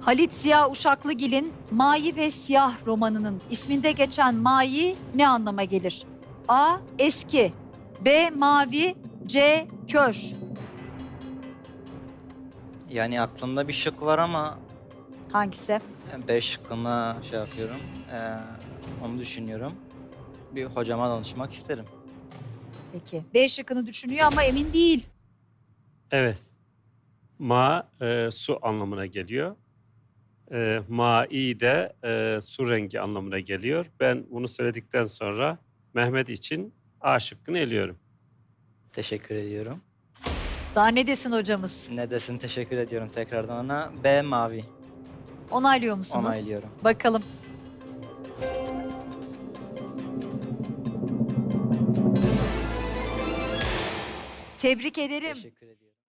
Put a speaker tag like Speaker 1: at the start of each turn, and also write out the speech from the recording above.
Speaker 1: Halit Ziya Uşaklıgil'in Mayi ve Siyah romanının isminde geçen mayi ne anlama gelir? A. Eski, B. Mavi, C. Kör.
Speaker 2: Yani aklımda bir şık var ama
Speaker 1: Hangisi?
Speaker 2: B şıkkına şey yapıyorum. Onu düşünüyorum. Bir hocama danışmak isterim.
Speaker 1: Peki. B şıkkını düşünüyor ama emin değil.
Speaker 3: Evet. Ma su anlamına geliyor. Mai de su rengi anlamına geliyor. Ben bunu söyledikten sonra Mehmet için A şıkkını eliyorum.
Speaker 2: Teşekkür ediyorum.
Speaker 1: Daha ne desin hocamız?
Speaker 2: Ne desin, teşekkür ediyorum tekrardan ona. B mavi.
Speaker 1: Onaylıyor musunuz?
Speaker 2: Onaylıyorum.
Speaker 1: Bakalım. Tebrik ederim.
Speaker 2: Teşekkür ediyorum.